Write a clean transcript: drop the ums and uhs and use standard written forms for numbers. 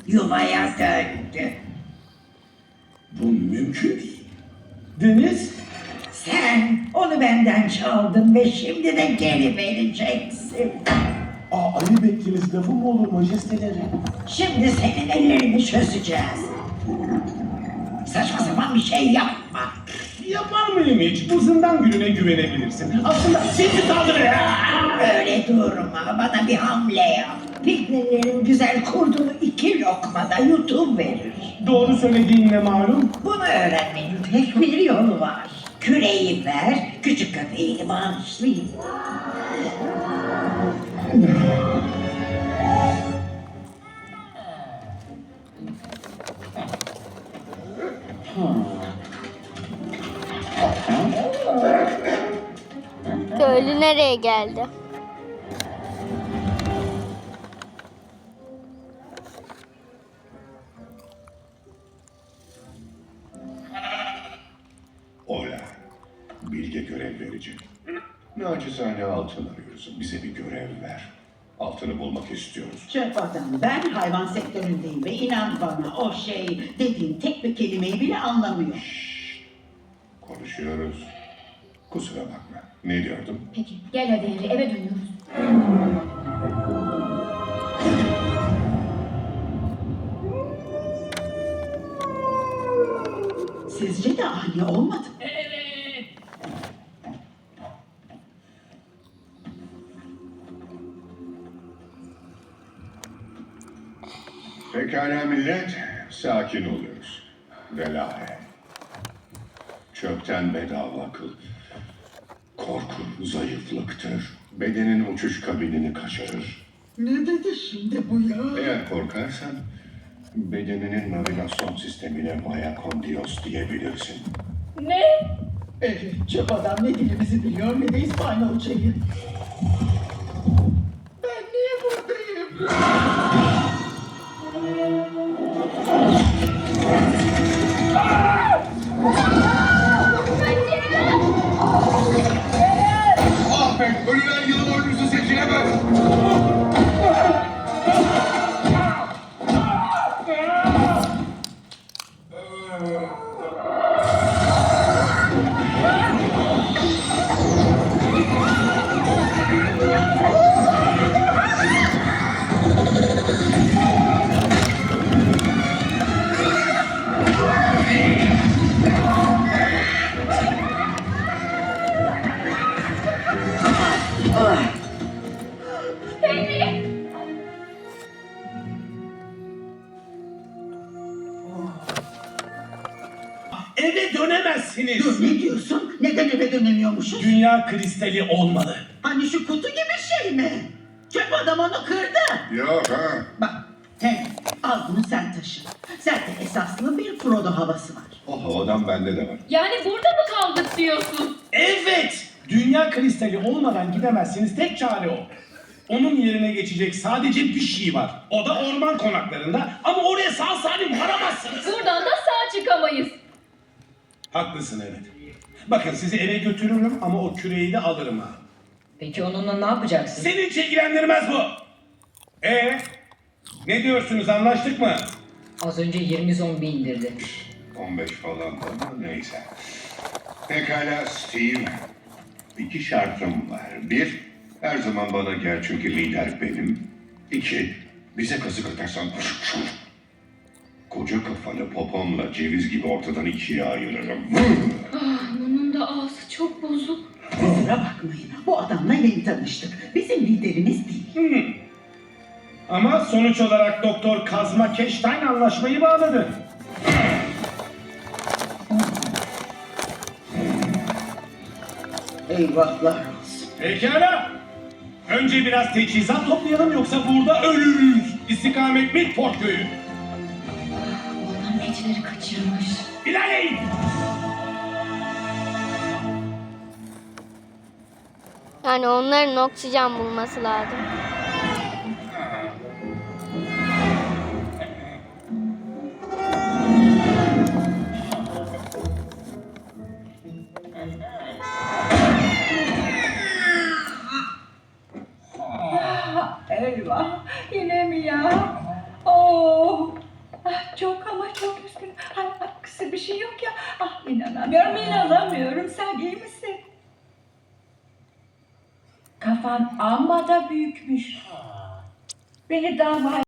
yuvaya döndü. Bu mümkün değil. Deniz, Sen onu benden çaldın ve şimdi de geri vereceksin. ayıp ettiğiniz lafı mı olur majesteleri? Şimdi senin ellerini çözeceğiz. Saçma sapan bir şey yapma. Yapar mıyım hiç? Bu zindan gülüne güvenebilirsin. Aslında sizi saldırı. Öyle durma, bana bir hamle yap. Piknilerin güzel kurduğu 2 lokmada yutuverir. Doğru söylediğin ne malum? Bunu öğrenmenin tek bir yolu var. Küreği ver, küçük köpeğini bağışlayayım. Köylü nereye geldi? Ola. Bilge görev verecek. Naçizane altın arıyoruz. Bize bir görev ver. Altını bulmak istiyoruz. Çöp adam, ben hayvan sektöründeyim ve inan bana o şey dediğin tek bir kelimeyi bile anlamıyor. Konuşuyoruz. Kusura bakma. Ne diyordum? Peki gel hadi Harry, eve dönüyoruz. Sizce de ani olmadı mı? Pekala millet. Sakin oluyoruz. Velahe. Çöpten bedava akıl. Korku zayıflıktır. Bedenin uçuş kabinini kaçırır. Ne dedi şimdi bu ya? Eğer korkarsan bedeninin navigasyon sistemine Maya Kondios diyebilirsin. Ne? Evet, çöp adam ne dilimizi biliyor ne de İspanyolcayı. Ben niye buradayım? Ahmet, ölülen yılın oyuncusu seçilemez. Eve dönemezsiniz. Dur ne diyorsun? Neden eve dönemiyormuşuz? Dünya kristali olmalı. Hani şu kutu gibi şey mi? Çöp adam onu kırdı. Yok ha. Bak, hey, al bunu sen taşı. Zaten esaslı bir Frodo havası var. O havadan bende de var. Yani burada mı kaldık diyorsun? Evet. Dünya kristali olmadan gidemezsiniz. Tek çare o. Onun yerine geçecek sadece bir şey var. O da orman konaklarında. Ama oraya sağ salim varamazsınız. Buradan da sağ çıkamayız. Haklısın evet. Bakın sizi eve götürürüm ama o küreği de alırım ha. Peki onunla ne yapacaksın? Seni hiç ilgilendirmez bu. Ne diyorsunuz, anlaştık mı? Az önce 20 zombi indirdi. 15 falan da ama neyse. Pekala Steve. 2 şartım var. 1, her zaman bana gel çünkü lider benim. 2, bize kazık atarsan koca kafanı popomla ceviz gibi ortadan 2'ye ayırırım. Bunun da ağzı çok bozuk. Kusura bakmayın, bu adamla yeni tanıştık. Bizim liderimiz değil. Ama sonuç olarak Doktor Kazma Keştayn anlaşmayı bağladı. Eyvahlar olsun. Pekala. Önce biraz teçhizat toplayalım yoksa burada ölürüz. İstikamet Midport köyü. Onların keçileri kaçırmış. İlerleyin. Yani onların oksijen bulması lazım. Eyvah, yine mi ya? Oh, Çok ama çok üzgünüm. Kısa bir şey yok ya. Ah inanamıyorum. Sen iyi misin? Kafan amma da büyükmüş. Beni daha